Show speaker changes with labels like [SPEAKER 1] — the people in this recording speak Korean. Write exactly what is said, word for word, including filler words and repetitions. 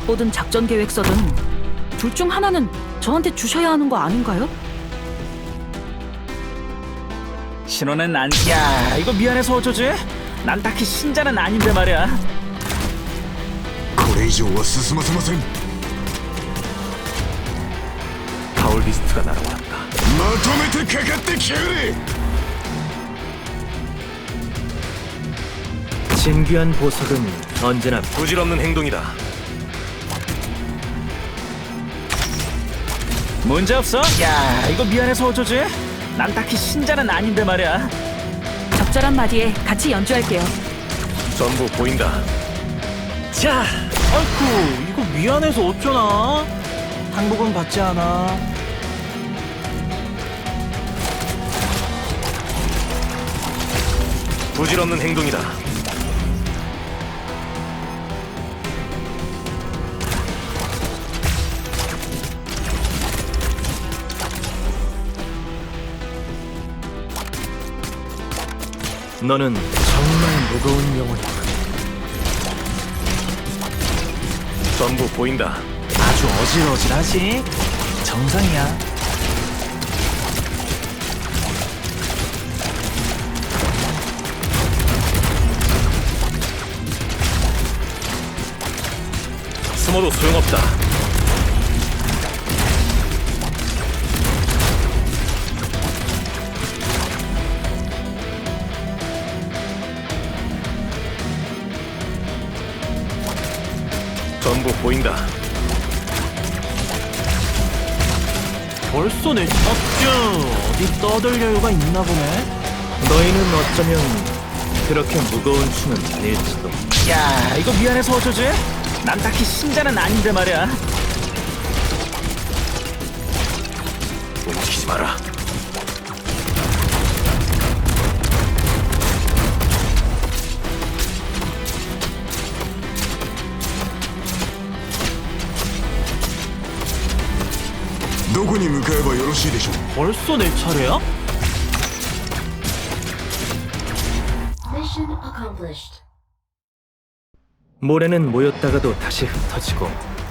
[SPEAKER 1] 첩보든 작전 계획서든 둘 중 하나는 저한테 주셔야 하는 거 아닌가요?
[SPEAKER 2] 신호는 안... 야, 이거 미안해서 어쩌지? 난 딱히 신자는 아닌데 말이야.
[SPEAKER 3] これ以上は進ませません。
[SPEAKER 4] 파울리스트가 날아왔다.
[SPEAKER 3] まとめてかかってきやがれ。
[SPEAKER 4] 진귀한 보석은 언제나 부질없는 행동이다.
[SPEAKER 2] 문제 없어? 야, 이거 미안해서 어쩌지? 난 딱히 신자는 아닌데 말이야.
[SPEAKER 1] 적절한 마디에 같이 연주할게요.
[SPEAKER 4] 전부 보인다.
[SPEAKER 5] 자, 아이쿠, 이거 미안해서 어쩌나? 항복은 받지 않아.
[SPEAKER 4] 부질없는 행동이다. 너는 정말 무거운 영혼이다. 전부 보인다.
[SPEAKER 5] 아주 어질어질하지? 정상이야.
[SPEAKER 4] 숨어도 소용없다. 전부 보인다.
[SPEAKER 5] 벌써 내 척주 어디 떠들 여유가 있나 보네.
[SPEAKER 4] 너희는 어쩌면 그렇게 무거운 춤은 아닐지도.
[SPEAKER 2] 야, 이거 미안해서 어쩌지? 난 딱히 신자는 아닌데 말이야.
[SPEAKER 4] 움직이지 마라.
[SPEAKER 3] どこに向かえばよろしいでしょう。
[SPEAKER 5] 벌써 내 차례야?
[SPEAKER 6] Mission accomplished.
[SPEAKER 4] 모래는 모였다가도 다시 흩어지고